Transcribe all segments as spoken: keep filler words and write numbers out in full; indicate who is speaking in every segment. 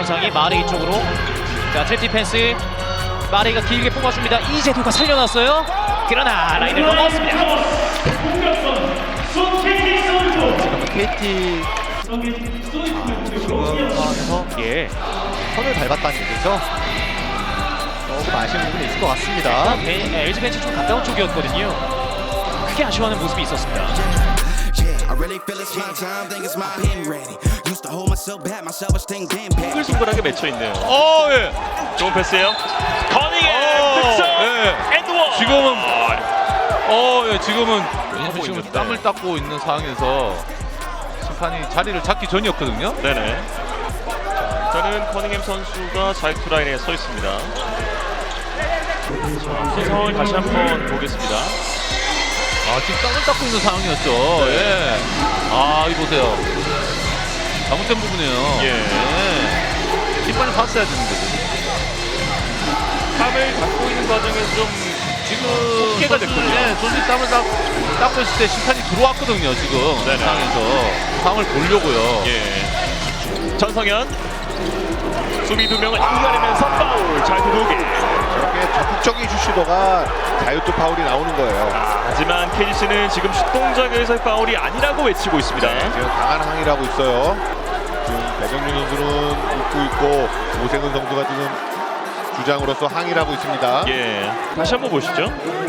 Speaker 1: 현상이 마레이 쪽으로. 자, 트랩 디펜스. 마레이가 길게 뽑아줍니다. 이재도가 살려놨어요. 그러나 라인을 넘어왔습니다.
Speaker 2: 지금은 케이티 지금 상황에서
Speaker 1: 예.
Speaker 2: 선을 밟았다는 얘기죠. 조금 아쉬운 부분이 있을 것 같습니다.
Speaker 1: 엘지 벤치 좀 가까운 쪽이었거든요. 크게 아쉬워하는 모습이 있었습니다.
Speaker 3: I really feel it's my time, think it's my pen ready. Used to hold myself back, myself was staying damn bad.
Speaker 4: 싱글싱글하게 맺혀 있네요.
Speaker 5: 어, 예.
Speaker 4: 좋은 패스예요. 커닝의
Speaker 5: 어,
Speaker 4: 득점.
Speaker 5: 예.
Speaker 4: 엔드원.
Speaker 5: 지금은 어, 예, 지금은
Speaker 4: 하고
Speaker 5: 지금
Speaker 4: 있는데.
Speaker 5: 땀을 닦고 있는 상황에서 심판이 자리를 잡기 전이었거든요.
Speaker 4: 네네. 자, 일단은 커닝햄 선수가 자유투 라인에 서 있습니다. 자, 그 상황을 다시 한번 보겠습니다.
Speaker 5: 아, 지금 땀을 닦고 있는 상황이었죠. 예. 아, 이 보세요. 잘못된 부분이에요.
Speaker 4: 예.
Speaker 5: 예. 심판이 봤어야 되는 거죠.
Speaker 4: 땀을 닦고 있는 과정에서 좀
Speaker 5: 지금
Speaker 4: 속개가
Speaker 5: 선수,
Speaker 4: 됐군요.
Speaker 5: 예, 선수 땀을 닦, 닦고 있을 때 심판이 들어왔거든요. 지금
Speaker 4: 네네.
Speaker 5: 상황에서 상황을 보려고요.
Speaker 4: 예. 전성현 수비 두 명을 이겨내면서 파울. 자유투 두 개.
Speaker 6: 저렇게 적극적인 슛 시도가 자유투 파울이 나오는 거예요.
Speaker 4: 아, 하지만 케이씨는 지금 슛 동작에서의 파울이 아니라고 외치고 있습니다.
Speaker 6: 네, 지금 강한 항의를 하고 있어요. 지금 배정준 선수는 웃고 있고 오세근 선수가 지금 주장으로서 항의를 하고 있습니다.
Speaker 4: 예. 다시 한번 보시죠.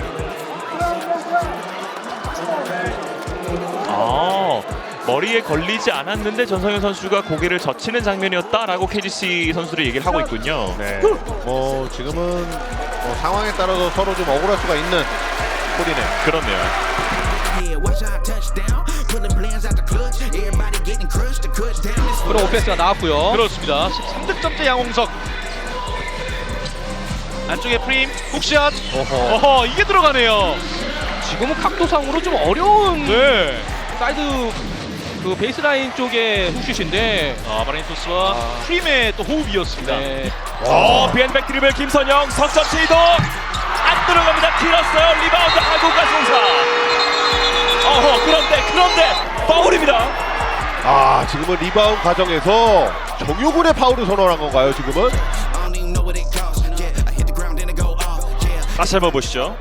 Speaker 4: 아, 머리에 걸리지 않았는데 전성현 선수가 고개를 젖히는 장면이었다라고 케이씨 선수를 얘기를 하고 있군요.
Speaker 6: 네, 뭐 지금은 뭐 상황에 따라서 서로 좀 억울할 수가 있는 콜이네요.
Speaker 4: 그렇네요.
Speaker 3: Yeah, watch out, touchdown. Pulling plans out the clutch. Everybody getting crushed. The cut down is
Speaker 1: 프로 오페스가 나왔고요.
Speaker 5: 그렇습니다.
Speaker 1: 십삼 득점째 양홍석. 안쪽에 프림 훅샷.
Speaker 5: 어허.
Speaker 1: 어허, 이게 들어가네요. 지금은 각도상으로 좀 어려운
Speaker 5: 네.
Speaker 1: 사이드 그 베이스라인 쪽의 훅슛인데 아, 마레인토스와 프림의 또 호흡이었습니다. 네.
Speaker 4: 어, 비앤백 드리블 김선영 석점 시도 안 들어갑니다. 길었어요. 리바운드 한국가 송사. 어허, 그런데 그런데 파울입니다.
Speaker 6: 아, 지금은 리바운드 과정에서 정효군의 파울을 선언한 건가요? 지금은?
Speaker 3: I don't even know what it costs. Yeah, I hit the ground then it go off. Yeah.
Speaker 4: 다시 한번 보시죠.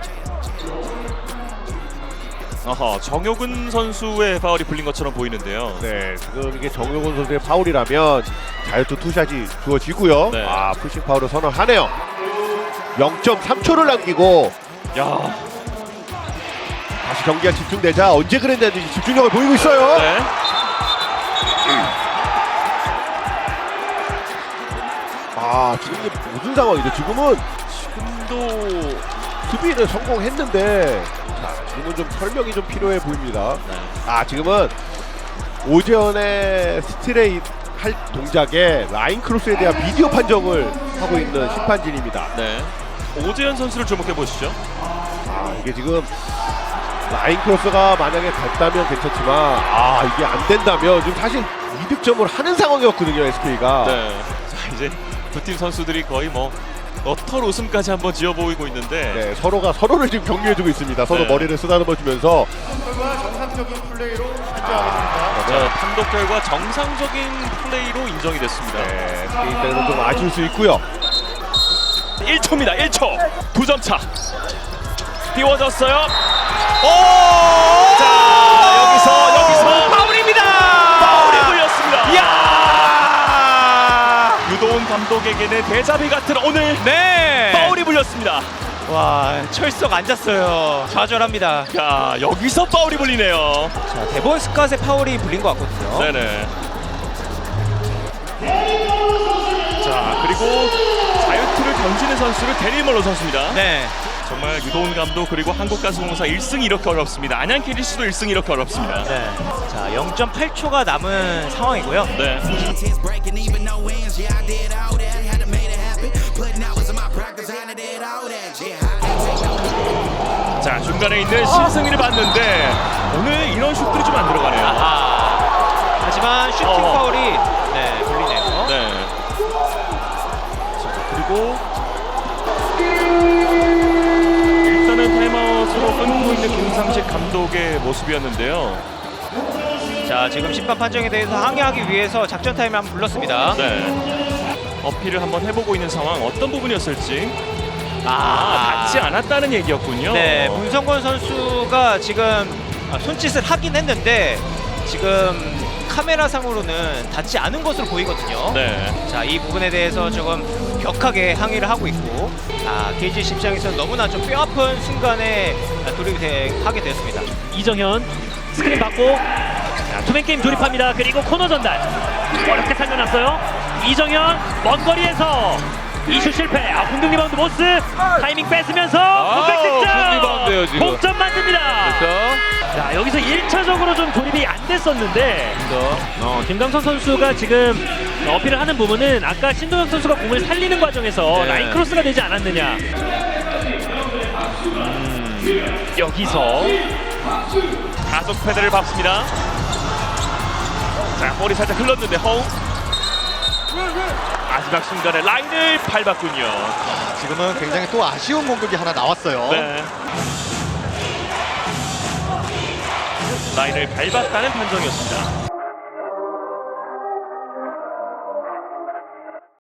Speaker 4: 어허, 정효근 선수의 파울이 불린 것처럼 보이는데요.
Speaker 6: 네, 지금 이게 정효군 선수의 파울이라면 자유투 투샷이 주어지고요.
Speaker 4: 네.
Speaker 6: 아, 푸싱 파울을 선언하네요. 영 점 삼 초를 남기고
Speaker 4: 야,
Speaker 6: 다시 경기가 집중되자 언제 그랬는지 집중력을 보이고 있어요.
Speaker 4: 네.
Speaker 6: 아, 지금 이게 무슨 상황이죠? 지금은 지금도 수비는 성공했는데 자, 지금은 좀 설명이 좀 필요해 보입니다.
Speaker 4: 네.
Speaker 6: 아, 지금은 오재현의 스트레이트 할 동작에 라인 크로스에 대한 비디오 판정을 하고 있는 심판진입니다.
Speaker 4: 네. 오재현 선수를 주목해 보시죠.
Speaker 6: 아, 이게 지금 라인 크로스가 만약에 됐다면 괜찮지만 아, 이게 안 된다면 지금 사실 이득점을 하는 상황이었거든요, 에스케이가.
Speaker 4: 네. 자, 이제 두 팀 선수들이 거의 뭐 너털 웃음까지 한번 지어 보이고 있는데.
Speaker 6: 네, 서로가 서로를 지금 격려해주고 있습니다. 서로
Speaker 4: 네.
Speaker 6: 머리를 쓰다듬어주면서
Speaker 4: 자, 판독 결과 정상적인 플레이로 인정이 됐습니다.
Speaker 6: 네, 에스케이 때는 좀 아쉬울 수 있고요.
Speaker 4: 일 초입니다. 일 초. 두 점 차. 띄워졌어요. 오! 자, 여기서 여기서
Speaker 1: 파울입니다.
Speaker 4: 파울이 불렸습니다.
Speaker 1: 이야!
Speaker 4: 유도훈 감독에게는 대자비 같은 오늘
Speaker 1: 네.
Speaker 4: 파울이 불렸습니다.
Speaker 1: 와, 철석 앉았어요. 좌절합니다.
Speaker 4: 야, 여기서 파울이 불리네요.
Speaker 1: 자, 데본 스캇의 파울이 불린 것 같거든요.
Speaker 4: 네네. 자, 그리고 자유투를 던지는 선수를 데릴 멀로 선수입니다.
Speaker 1: 네.
Speaker 4: 정말 유도훈 감독 그리고 한국가스공사 일 승이 이렇게 어렵습니다. 안양 케이씨도 일 승이 이렇게 어렵습니다.
Speaker 1: 네. 자, 영 점 팔 초가 남은 상황이고요.
Speaker 4: 네.
Speaker 3: intense breaking, even no ends. Yeah, I did all that. Had to make it happen. Putting hours in my practice. Had to did all that. Yeah,
Speaker 4: 자, 중간에 있는 신승희를 봤는데 오늘 이런 슛들이 좀 안 들어가네요.
Speaker 1: 아하. 하지만 슈팅
Speaker 4: 어.
Speaker 1: 파울이 네, 불리네요.
Speaker 4: 네. 자, 그리고 일단은 타임아웃으로 끊고 있는 김상식 감독의 모습이었는데요.
Speaker 1: 자,
Speaker 7: 자, 지금 심판 판정에 대해서 항의하기 위해서 작전 타임을 한번 불렀습니다.
Speaker 4: 네. 어필을 한번 해보고 있는 상황 어떤 부분이었을지. 아,
Speaker 7: 아,
Speaker 4: 닿지 않았다는 얘기였군요.
Speaker 7: 네, 문성권 선수가 지금 손짓을 하긴 했는데 지금 카메라 상으로는 닿지 않은 것으로 보이거든요.
Speaker 4: 네.
Speaker 7: 자, 이 부분에 대해서 조금 격하게 항의를 하고 있고, 아, 케이지 입장에서는 너무나 좀 뼈아픈 순간에 돌입하게 되었습니다.
Speaker 8: 이정현 스크린 받고 자, 투맨 게임 조립합니다. 그리고 코너 전달 어렵게 살려놨어요. 이정현 먼 거리에서 이슈 실패. 아, 공격 리바운드 모스 타이밍 뺏으면서 컴백
Speaker 5: 굿
Speaker 8: 득점.
Speaker 5: 리바운드예요, 지금.
Speaker 8: 동점 만듭니다.
Speaker 5: 그렇죠.
Speaker 8: 자, 여기서 일 차적으로 좀 조립이 안 됐었는데
Speaker 5: 그렇죠.
Speaker 8: 어, 김강선 선수가 지금 어필을 하는 부분은 아까 신동혁 선수가 공을 살리는 과정에서
Speaker 5: 네.
Speaker 8: 라인 크로스가 되지 않았느냐.
Speaker 4: 여기서 가속 패드를 밟습니다. 자, 볼이 살짝 흘렀는데 허웅. 마지막 순간에 라인을 밟았군요.
Speaker 2: 지금은 굉장히 또 아쉬운 공격이 하나 나왔어요.
Speaker 4: 네. 라인을 밟았다는 판정이었습니다.